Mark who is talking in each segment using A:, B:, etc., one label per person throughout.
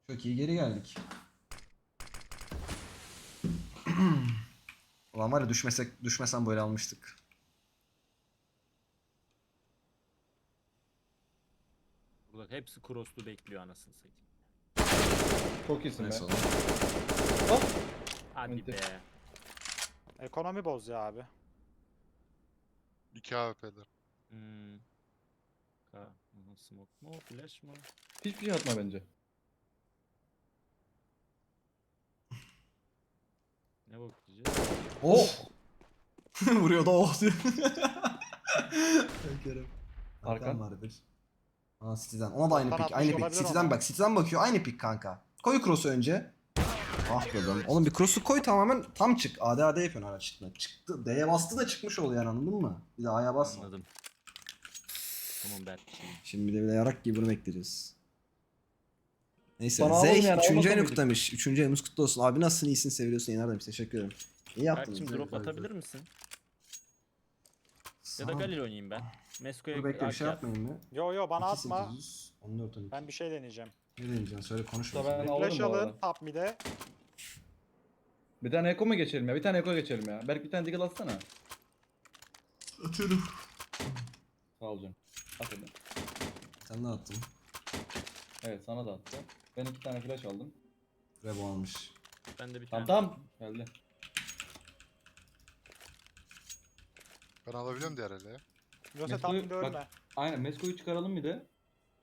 A: Çok iyi geri geldik. Ulan var ya düşmesem böyle almıştık.
B: Burada hepsi cross'lu bekliyor anasını satayım.
C: Çok iyisin be.
A: Neyse oğlum.
C: Hop.
B: Hadi
C: Enti.
B: be.
D: Ekonomi boz ya abi.
E: 2 AWP'ler.
B: Hmm. Smoke mu? Flash mı?
C: Hiçbir şey atma bence.
B: Ne bakacağız?
A: Oh! Vuruyor da oh diyor. Kerem.
C: Arkan.
A: Arkan vardır. Aa City'den. Ona da aynı
D: Arkan
A: pik.
D: atmış
A: Aynı pik.
D: olabilir
A: City'den
D: ona.
A: bak. City'den bakıyor. Aynı pik kanka. Koy cross'u önce. Ah be oğlum. Oğlum bir cross'u koy tamamen tam çık. AD yapıyorsun hala çıktı. Çıktı. D'ye bastı da çıkmış oluyor yani anladın mı? Bir de A'ya basma.
B: Anladım. Tamam Berk.
A: Şimdi bir de yarak gibi bunu bekleyeceğiz. Neyse.
C: Sana alalım
A: Zey
C: yani,
A: 3.
C: almasa
A: ayını
C: mıydık?
A: kutlamış. 3. ayımız kutlu olsun. Abi nasılsın? İyisin, seviyorsun. Yener demiş. Teşekkür ederim. İyi yaptınız.
B: Berk'cim
A: Zey.
B: drop atabilir misin? Ya da
A: Sağ ol.
B: Galil oynayayım ben. Mesko'ya
A: Dur bekle bir şey
B: AK at.
A: yapmayın mı?
D: Yo bana atma.
A: 2800, 14 12.
D: Ben bir şey deneyeceğim.
A: Ne deneyeceksin? Söyle konuş.
C: Da
A: bakayım.
C: ben alırım
D: Flash
C: bu
D: alın
C: arada.
D: top mid'e.
C: Bir tane Eko mu geçelim ya? Bir tane Eko geçelim ya. Berk bir tane Deagle atsana.
A: Atıyorum.
C: Sağ ol canım. At hadi.
A: Sen de attın.
C: Evet sana da attı. Ben 2 tane flash aldım.
A: Rebo almış.
B: Ben de bir
C: Tamam
B: tane.
C: tamam. Geldi.
E: Ben alabiliyorum diğer ele.
D: Yoksa top
C: Mesko'yu-
D: mid'e ölme.
C: bak- Aynen Mesko'yu çıkaralım bir de.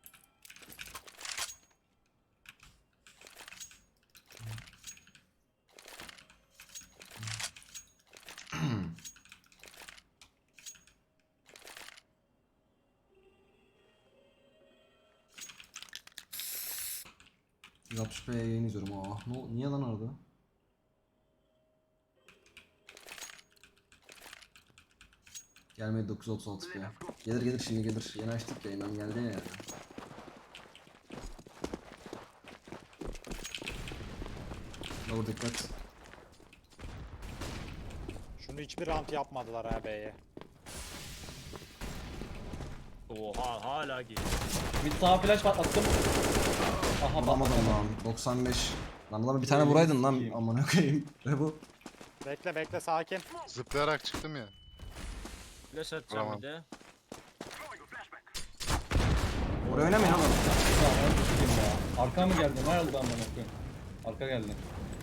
A: %60p yayın izliyorum. Ah, niye lan orada? Gelmedi 936p. Gelir şimdi gelir. Yeni açtık yayından geldi ya yani. Lower dikkat.
D: Şunu hiçbir round yapmadılar ha B'ye.
B: Oha hala geliyor.
C: Bir sağ flash attım. Aha
A: Bulamadım
C: patladı.
A: lan. 95. Lan adama bir tane vuraydın lan.
C: Sikeyim.
A: Amına koyayım. Rebo.
D: Bekle sakin.
E: Zıplayarak çıktım ya.
B: Flash atacağım
E: Tamam.
B: bir de.
A: Oraya oynamayın oğlum.
C: Ya, ben sikeyim ya. Arka mı geldi? Ne oldu amına koyayım? Arka geldi.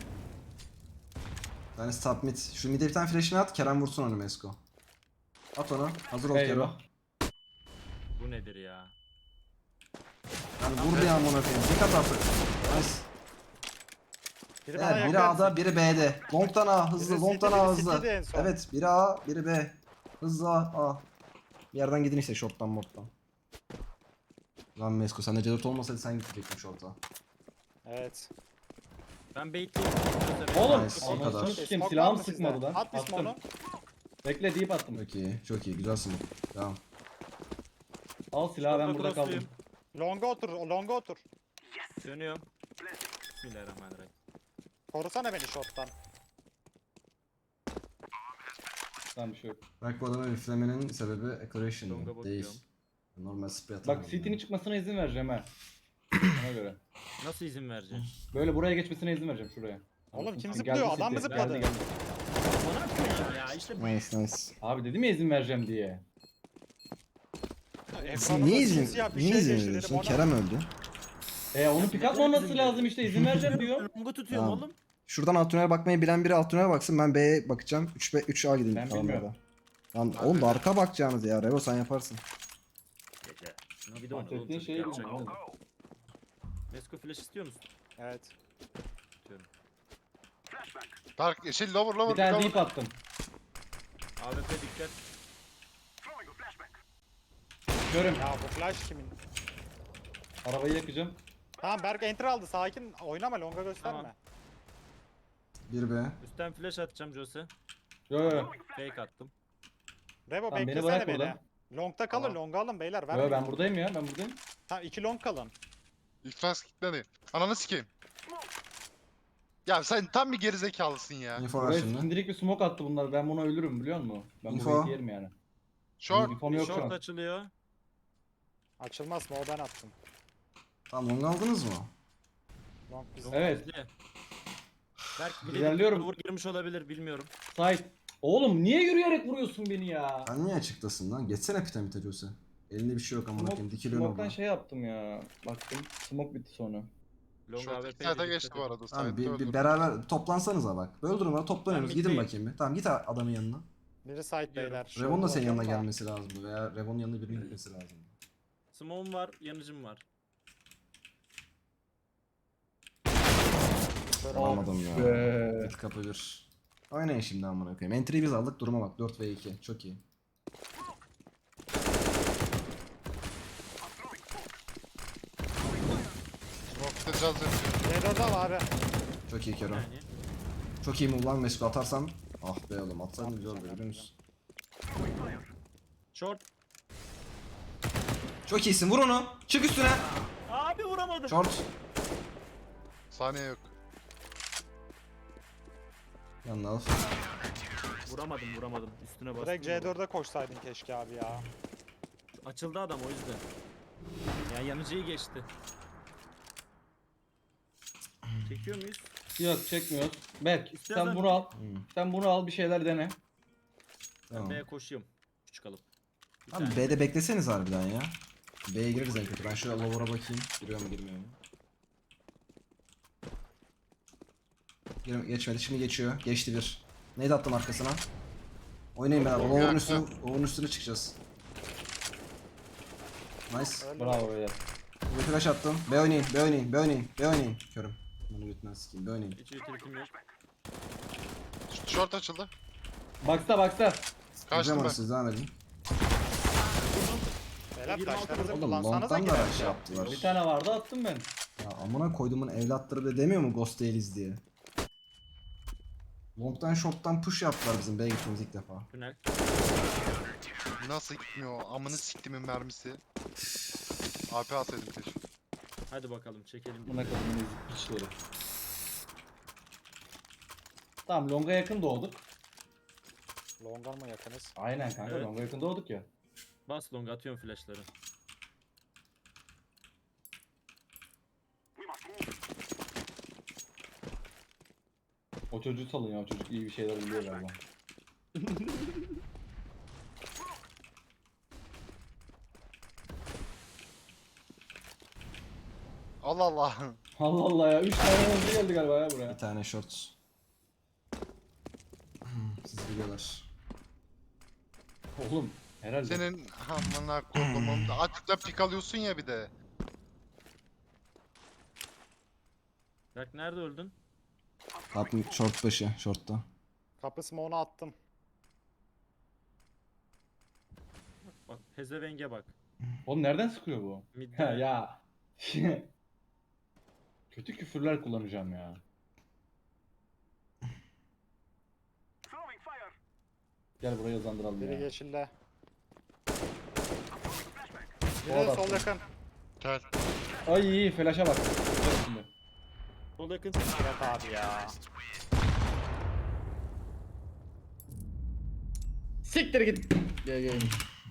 A: Bir tane top mid. Şu mid'e bir tane flash'ini at. Kerem vursun onu Mesko. At onu. Hazır ol Kerem.
C: Eyvah.
B: Bu nedir ya?
A: Yani vur bir amına koyayım. Tek at artık. Nice.
D: Biri bana
A: Evet, biri
D: yakın.
A: A'da, biri B'de. Long'dan A, hızlı,
D: Biri
A: long'dan
D: City'de,
A: A,
D: biri
A: hızlı.
D: City'de en son.
A: Evet, biri A, biri B. Hızlı A. Bir yerden gidin işte short'tan mort'tan. Lan Mesko, sende C4 olmasaydı sen gidecektin short'a.
D: Evet.
B: Ben baitleyeyim.
C: Oğlum.
A: Nice, o
C: Anasını
A: kadar.
C: sikeyim,
D: Smoke
C: silahım
D: var mı
C: sıkmadı
D: sizde?
C: lan.
D: At bir
C: Attım.
D: smoke'unu.
C: Bekle deyip attım.
A: Çok iyi, güzelsin. Tamam.
C: Al silahı ben
B: Şurada
C: burada kaldım.
B: crossluyum.
D: Longa otur.
B: Dönüyorum. Bismillahirrahmanirrahim.
D: Korusana beni shot'tan.
C: Tamam bir şey yok.
A: Belki bu adamı üflemenin sebebi
B: Longa
A: accuracy
B: bakıyorum.
A: değil. Normal spray atamam.
C: Bak CT'nin çıkmasına izin vereceğim ha. Ona göre.
B: Nasıl izin vereceksin?
C: Böyle buraya geçmesine izin vereceğim şuraya.
D: Oğlum kim
C: Geldi
D: zıplıyor? Adam mı
C: City.
D: zıpladı?
C: Geldi.
B: Bana koyayım ya işte
A: Nice.
C: Abi dedim ya izin vereceğim diye.
A: Sen
D: Ekranımda
A: niye izin,
D: simsiyah bir
A: niye
D: şey
A: izin
D: geçti dedim
A: veriyorsun?
D: ona.
A: Kerem öldü.
C: Onu pick up olması lazım işte izin vereceğim diyor.
B: Longu tutuyorum
A: Tamam.
B: oğlum.
A: Şuradan alt tünele bakmayı bilen biri alt tünele baksın. Ben B'ye bakacağım. 3A gideyim.
C: Ben
A: tamam
C: bilmiyorum.
A: ya da. Lan oğlum da arka bakacağınız ya. Revo sen yaparsın.
B: Gece. Şuna bir de oyna oğlum.
C: Bahsettiğin
B: çocuk
C: şeyi
B: yapacak.
C: bilmiyorum.
B: Mesko flash istiyor musun?
D: Evet.
B: Tutuyorum.
E: Dark yeşil lower
C: Bir tane
E: lower.
C: deep attım.
B: AWP dikkat.
C: Görüm.
D: Ya bu flash kimin?
C: Arabayı yakacağım.
D: Tamam Berk enter aldı sakin. Oynama longa gösterme.
B: Tamam.
A: 1B.
B: Üstten flash atacağım Jose.
C: Yo yo yo.
B: Fake attım.
D: Revo
C: Tamam, beni
D: beklesene
C: bırak
D: beni.
C: burada.
D: Long'ta kalın
E: Tamam.
D: longa alın beyler.
C: Yo
D: Vermeyin.
C: ben buradayım ya ben buradayım.
D: Tamam 2 long kalın.
E: İlk fans kitledi. Ananı sikeyim. Ya sen tam bir gerizekalısın ya.
A: Info ver
C: Buraya
A: şimdi.
C: sindirik bir smoke attı bunlar. Ben bunu ölürüm biliyor musun? Ben
A: Info.
C: burayı yerim yani.
E: Short.
C: Infom
B: Bir
C: yok şu
B: short
C: an.
B: açılıyor.
D: Açılmaz mı o ben attım.
A: Tamam long aldınız mı?
D: Long bizde.
C: Evet.
B: Bizde. Berk bir de
C: İlerliyorum.
B: vur girmiş olabilir bilmiyorum.
C: Side. Oğlum niye yürüyerek vuruyorsun beni ya?
A: Sen niye açıktasın lan? Geçsene pitamite Jose. Elinde bir şey yok amına koyayım. Dikiliyorsun
C: Smoke'tan
A: orada.
C: şey yaptım ya. Baktım. Smoke bitti sonra.
B: Long
E: Short
B: AWP 'ye
E: iki site'a
B: de
E: geçti
B: dikkat
E: bu
B: edin.
E: arada.
A: Tamam
E: Site'de
A: bir
E: öldü.
A: beraber toplansanıza bak. Böyle durumlara toplanıyoruz.
B: Ben
A: Gidin
B: middeyim.
A: bakayım bir. Tamam git adamın yanına.
D: Biri side
B: Gidiyorum.
D: beyler.
A: Revon da senin yanına
D: bakıyorum da.
A: gelmesi lazım veya Revon'un yanına birinin gitmesi lazım.
B: Smoke'um var, yanıcım var.
A: Alamadım ya.
C: be.
A: Mid kapı bir. Oynayın şimdi amına koyayım. Entry'yi biz aldık. Duruma bak. 4 ve 2. Çok iyi.
E: Smoke'da caz yapıyor.
D: C4 al abi.
A: Çok iyi Kero.
B: Yani.
A: Çok iyi move lan Mesut atarsan. Ah be oğlum atsaydın güzel olurdu biliyor musun?
B: Short.
A: Çok iyisin vur onu. Çık üstüne.
B: Abi vuramadım.
A: Short.
E: Saniye yok.
A: Yanına al.
B: Vuramadım. Üstüne bastım.
D: Direkt C4'e koşsaydın keşke abi ya.
B: Açıldı adam o yüzden. Ya yanıcıyı geçti. Çekiyor muyuz?
C: Yok çekmiyoruz. Berk
B: İstersen-
C: sen bunu al.
A: Hmm.
C: Sen bunu al bir şeyler dene.
B: Ben
A: Tamam.
B: B'ye koşuyorum. Küçük alıp. Bir
A: Abi
B: tane.
A: B'de bekleseniz harbiden ya. B'ye gireriz en kötü. Ben şöyle lower'a bakayım. Giriyor mu girmiyor mu? Geçmedi şimdi geçiyor. Geçti bir. Neydi attım arkasına? Oynayın beraber. Lower'ın üstüne çıkacağız. Nice.
D: Öyle
C: Bravo beyler.
A: Bir flash attım. B oynayın. B oynayın. B oynayın. B oynayın. Körüm. Bunu götünden sikeyim. B oynayın.
B: Hiç utilitim yok.
E: Short açıldı.
C: Box'ta.
A: Hocam
E: Kaçtım ben.
A: siz devam edin.
D: Beyler
B: 26
D: taşlarınızı
A: Oğlum
D: kullansanıza
A: long'dan da
D: girer.
A: şey yaptılar.
C: Bir tane vardı attım ben.
A: Ya amına koyduğumun evlatları da demiyor mu Ghost değiliz diye. Long'dan short'tan push yaptılar bizim B'ye gittiğimiz ilk defa.
B: Tünel.
E: Nasıl gitmiyor? Amını siktimin mermisi. AP atsaydım keşke.
B: Hadi bakalım çekelim.
C: Buna kadar ezik piçleri. Tamam longa yakın doğduk.
D: Longa mı yakınız?
C: Aynen kanka
B: Evet.
C: longa yakın doğduk ya.
B: Bas long atıyorum flashları.
C: O çocuğu salın ya o çocuk iyi bir şeyler biliyor galiba.
E: Allah Allah.
C: Allah Allah ya 3 tane hızlı geldi galiba ya buraya.
A: Bir tane short. Siz biliyorlar.
C: Oğlum herhalde.
E: Senin amına kodumun açıkla pik alıyorsun ya bir de.
B: Berk nerede öldün?
A: Kapı short başı. Short'ta.
D: Kapı smoke'unu attım.
B: Bak pezevenge bak.
C: Oğlum nereden sıkıyor bu?
B: Midde.
C: Ha ya. Kötü küfürler kullanacağım ya. Gel buraya yazandıralım
D: Biri
C: ya.
D: yeşilde.
C: O
D: Biri
C: da
D: sol
C: attı.
D: yakın.
E: Gel.
C: Ay iyi flash'a bak. Bak şimdi.
B: Sol yakın.
D: Evet abi ya.
C: Siktir git. Gel.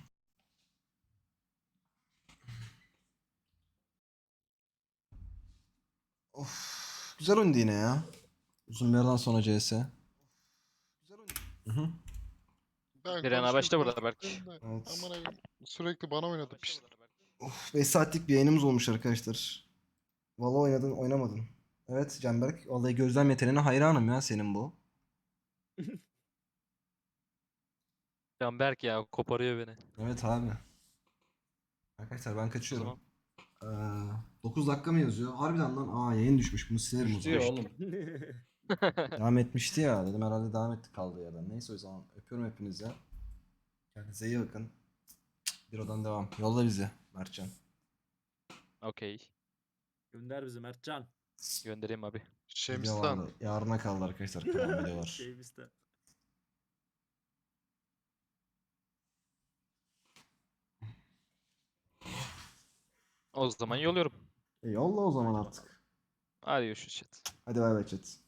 A: Of. Güzel oyundu yine ya. Uzun bir aradan sonra CS. Güzel oyundu. Hı hı.
E: Ben
F: Direna başta burada
E: konuştum
F: Berk.
E: da,
A: Evet.
E: amına koyayım, sürekli bana oynadı piç.
A: Of 5 saatlik bir yayınımız olmuş arkadaşlar. Vallahi oynadın oynamadın. Evet Canberk. Vallahi gözlem yeteneğine hayranım ya senin bu.
F: Canberk ya koparıyor beni.
A: Evet abi. Arkadaşlar ben
F: O
A: kaçıyorum.
F: zaman
A: 9 dakika mı yazıyor? Harbiden lan. Aa yayın düşmüş. Bunu silerim o
C: Düştü ya
A: zaman.
C: oğlum.
A: Devam etmişti ya. Dedim herhalde devam ettik kaldığı yerden. Neyse o zaman öpüyorum hepinizi. Kendinize iyi bakın. Bir odan devam. Yolla bizi Mertcan.
F: okey.
B: Gönder bizi Mertcan.
F: Göndereyim abi.
A: Video
E: Şemistan.
A: vardı. Yarına kaldı arkadaşlar. Kalan videolar.
B: Şey bizde.
F: O zaman yolluyorum.
A: Yolla o zaman artık.
F: Hadi görüşürüz chat.
A: Hadi bay bay chat.